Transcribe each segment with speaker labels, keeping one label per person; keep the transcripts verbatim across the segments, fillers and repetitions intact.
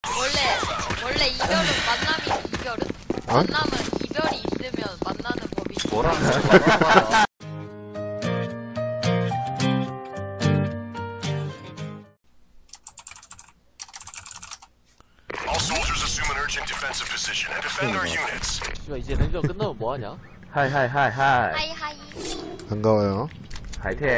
Speaker 1: 원래 원래 이별은 만남이 이별은
Speaker 2: 어?
Speaker 1: 만남은 이별이 있으면 만나는 법이.
Speaker 3: 뭐라는 거야?
Speaker 4: All soldiers assume an urgent defensive position and defend our units.
Speaker 5: 씨발 이제 렌저 끝나면 뭐하냐?
Speaker 6: 하이 하이 하이 하이
Speaker 1: 하이 하이.
Speaker 2: 반가워요.
Speaker 6: 하이텐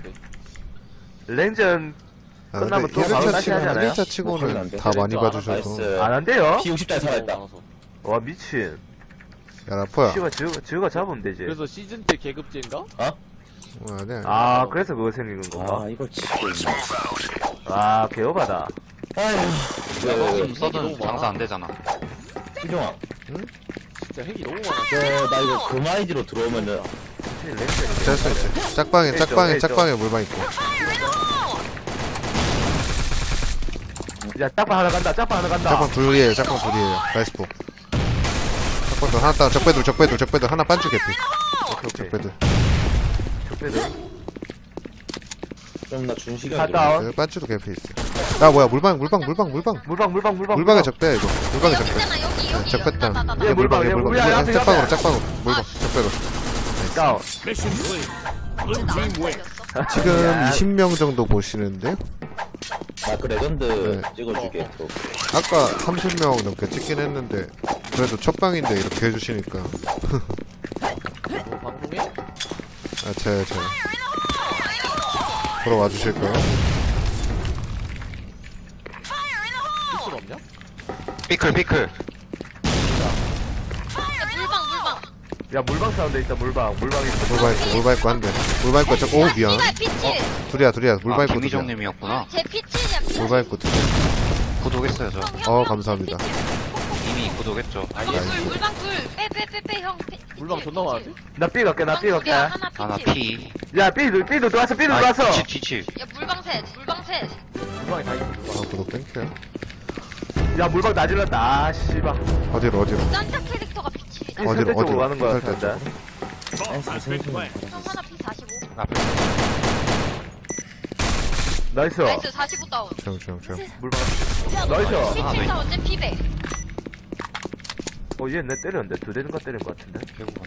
Speaker 6: 랭전
Speaker 2: 아,
Speaker 6: 끝나면
Speaker 2: 근데
Speaker 6: 또 바로
Speaker 2: 일 차
Speaker 6: 다시
Speaker 2: 치고,
Speaker 6: 하잖아요?
Speaker 2: 일 차 치고는 다 많이 봐주셔서.
Speaker 3: 나이스.
Speaker 6: 안 한대요?
Speaker 3: 피 오십 달 살아있다.
Speaker 6: 와 미친
Speaker 2: 야, 라포야.
Speaker 6: 씨가 지우가, 지우가 잡으면 되지
Speaker 5: 그래서 시즌 때 계급제인가?
Speaker 2: 어, 아니야.
Speaker 6: 아 그래서 그거 생기는 건가?
Speaker 3: 아, 이걸 진짜.
Speaker 6: 아 개오바다
Speaker 3: 그,
Speaker 7: 써든 장사 안 되잖아.
Speaker 3: 희종아.
Speaker 5: 진짜 핵이 너무 많아.
Speaker 3: 저, 나 이거 금아이디로 들어오면은.
Speaker 2: 됐어, 이제. 짝방에, 짝방에,
Speaker 6: 있죠.
Speaker 2: 짝방에 물방 있고.
Speaker 6: 야 짝방 하나 간다 짝방 하나 간다
Speaker 2: 짝방 둘이에요, 짝방 둘이에요. 나이스포. 짝방 둘, 하나 따, 적배들, 적배들, 적배들, 하나 반주 개피.
Speaker 6: 오케이 오케이
Speaker 2: 적배들.
Speaker 6: 적배들
Speaker 3: 좀 나 준시간.
Speaker 6: 갔다 온
Speaker 2: 그 반주도 개피 있어. 야, 뭐야, 물방, 물방, 물방, 물방.
Speaker 6: 물방 물방 물방
Speaker 2: 물방에 적배, 이거. 물방에 적배.
Speaker 1: 여기잖아 여기 여기.
Speaker 2: 적배다.
Speaker 1: 나, 나, 나,
Speaker 6: 얘
Speaker 1: 나.
Speaker 6: 물방, 얘
Speaker 2: 물방.
Speaker 6: 물방. 야, 앞에,
Speaker 2: 짝방으로,
Speaker 6: 앞에.
Speaker 2: 짝방으로. 물방, 적배로.
Speaker 6: 다운
Speaker 1: 진짜 나안 걸렸어.
Speaker 2: 지금
Speaker 6: 야.
Speaker 2: 이십 명 정도 보시는데요?
Speaker 3: 나그 레전드
Speaker 2: 네.
Speaker 3: 찍어줄게, 또.
Speaker 2: 아까 삼십 명 넘게 찍긴 했는데, 그래도 첫 방인데 이렇게 해주시니까.
Speaker 5: 뭐 방송에?
Speaker 2: 아, 제, 제. 보러 와주실까요?
Speaker 5: 필수 없냐?
Speaker 7: 피클 피클.
Speaker 1: 야, 물방 물방.
Speaker 6: 야 물방 사운드 있다 물방 물방 있어
Speaker 2: 물방 있고, 물방 있고 한 대. 물방 있고, 저, 오, 미안.
Speaker 1: 피가 피치.
Speaker 2: 둘이야, 둘이야. 물방
Speaker 7: 아,
Speaker 2: 있고, 둘이야.
Speaker 7: 김희정님이었구나.
Speaker 1: 제 피치냐 피치.
Speaker 2: 물방 있고, 둘이야.
Speaker 7: 구독했어요 저.
Speaker 2: 어, 감사합니다.
Speaker 7: 이미 구독했죠.
Speaker 5: 아니
Speaker 1: 물방 둘 물방 둘. 빼빼빼빼 형. 피-
Speaker 5: 물방
Speaker 1: 피치,
Speaker 5: 존나 많은데?
Speaker 1: 피치.
Speaker 6: 나 삐 갈게 나 삐
Speaker 1: 물방
Speaker 6: 갈게
Speaker 1: 둘이야, 하나
Speaker 7: 하나
Speaker 1: 피치.
Speaker 7: 피.
Speaker 6: 야 삐도 삐도 들어왔어 삐도
Speaker 7: 아,
Speaker 6: 들어왔어
Speaker 7: 뒤치 뒤치.
Speaker 1: 야 물방 셋 물방 셋.
Speaker 5: 물방에 다 있어 물방.
Speaker 2: 아, 구독 땡큐요.
Speaker 6: 야 물방 다 질렀다 아 씨발
Speaker 2: 어디로, 어디로?
Speaker 1: 짠짜 캐릭터가 피치.
Speaker 6: 이
Speaker 2: 어디로,
Speaker 6: 선택적으로
Speaker 2: 어디로?
Speaker 6: 가는 거야
Speaker 2: 선택
Speaker 6: 진짜
Speaker 1: 형 하나 피 사십오.
Speaker 7: 앞에.
Speaker 6: 나이스
Speaker 1: 나이스 사십오 다운.
Speaker 2: 조용, 조용, 조용.
Speaker 6: 물방
Speaker 1: 야,
Speaker 6: 나이스.
Speaker 1: 너
Speaker 7: 하나 더
Speaker 1: 피치
Speaker 7: 있-
Speaker 1: 다운 제 피백.
Speaker 6: 어얘 내 때렸는데 두 대인가 때린 거 같은데
Speaker 7: 배고파.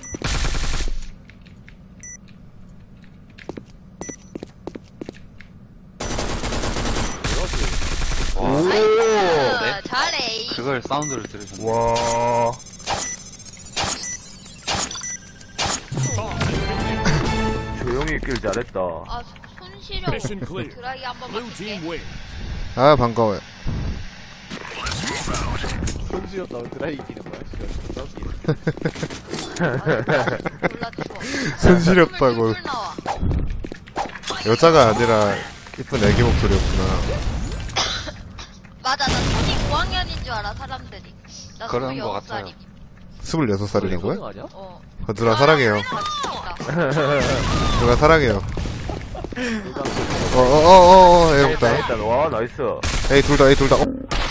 Speaker 7: 와.
Speaker 6: 오
Speaker 1: 어, 잘해.
Speaker 7: 그걸 사운드를 들으셨네.
Speaker 6: 와 조용히 있길 잘했다
Speaker 1: 아 손시려. 드라이 한 번만 줄게.
Speaker 2: 아, 반가워요.
Speaker 5: 손수였다고 드라이 이기는 거야 씨발.
Speaker 1: 몰라 추워.
Speaker 2: 손시렵다고.
Speaker 1: 술 나와.
Speaker 2: 여자가 아니라, 이쁜 애기 목소리였구나.
Speaker 1: 맞아 나 초딩 오 학년인 줄 알아 사람들이. 나
Speaker 7: 그런 거
Speaker 1: 스물여섯
Speaker 7: 같아요.
Speaker 1: 살이니.
Speaker 2: 스물여섯 살이라고요?
Speaker 5: 소등 아니야?
Speaker 1: 어.
Speaker 2: 어, 누나 사랑해요.
Speaker 1: 맞습니다.
Speaker 2: 누나 사랑해요. 어, 어, 어, 어, 어, 애롭다.
Speaker 6: 일단 와 나이스
Speaker 2: 에이, 둘 다, 에이, 둘 다. 어?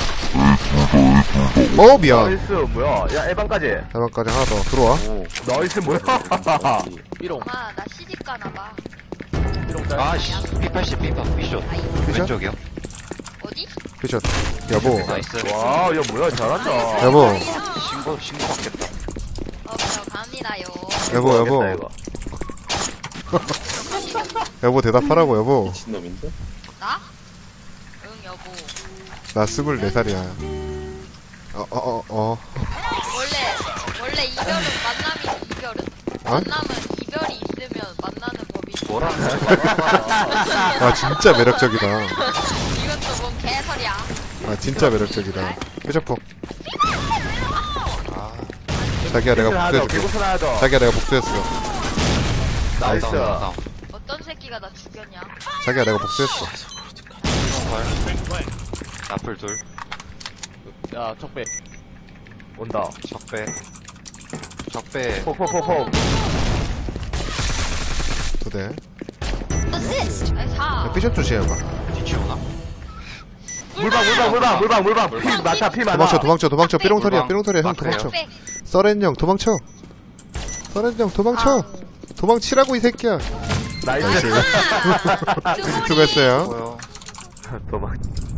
Speaker 2: 어, 미안.
Speaker 6: 나이스 뭐야 야 에반까지
Speaker 2: 대박까지 하나 더. 들어와.
Speaker 6: 오 나이스 뭐야
Speaker 5: 삐롱
Speaker 1: 엄마 나 시집 가나봐.
Speaker 5: 삐롱 짤.
Speaker 7: 아씨. 피 팔십 삐파 피쇼. 왼쪽이요.
Speaker 1: 어디?
Speaker 2: 피션. 여보.
Speaker 7: 나이스.
Speaker 6: 와야 뭐야 잘한다
Speaker 2: 여보.
Speaker 7: 신고 신고 받겠다.
Speaker 1: 어 그럼 갑니다요.
Speaker 2: 여보, 여보.
Speaker 6: 알겠다, 이거.
Speaker 2: 여보, 대답하라고, 여보.
Speaker 3: 미친놈인데?
Speaker 1: 나? 응 여보.
Speaker 2: 나 스물네 살이야. 어, 어, 어, 어.
Speaker 1: 원래 원래 이별은 만남이 이별은
Speaker 2: 어?
Speaker 1: 만남은 이별이 있으면 만나는 법이.
Speaker 7: 뭐라는 거야?
Speaker 2: 아, 진짜 매력적이다.
Speaker 1: 이건 또 뭔 개소리야.
Speaker 2: 아, 진짜 매력적이다. 삐져포.
Speaker 7: 아.
Speaker 2: 자기야, 내가
Speaker 6: 하나 더
Speaker 2: 복수해줄게.
Speaker 6: 개구선 하나 더
Speaker 2: 자기야, 내가 복수했어.
Speaker 6: 나이스
Speaker 7: 다운, 다운, 다운.
Speaker 1: 어떤 새끼가 나 죽였냐?
Speaker 2: 자기야, 내가 복수했어.
Speaker 7: 나풀 둘.
Speaker 5: 야 적배.
Speaker 6: 온다
Speaker 7: 적배. 적배.
Speaker 6: 폭폭폭폭
Speaker 2: 두 대.
Speaker 1: 아니 사.
Speaker 2: 야, 삐져 조심해봐.
Speaker 7: 뒤치 오나?
Speaker 6: 물방 물방 물방 물방 물방 피 많다 피 많아
Speaker 2: 도망쳐, 도망쳐, 도망쳐. 삐롱털이야,
Speaker 7: 물방.
Speaker 2: 삐롱털이야. 형,
Speaker 7: 막혀요.
Speaker 2: 도망쳐.
Speaker 1: 백.
Speaker 2: 써렌 형, 도망쳐. 써렌 형, 도망쳐. 도망치라고, 이 새끼야.
Speaker 6: 나이스
Speaker 1: 아, 그 소리.
Speaker 2: 수고했어요.
Speaker 7: 뭐요?
Speaker 6: 도망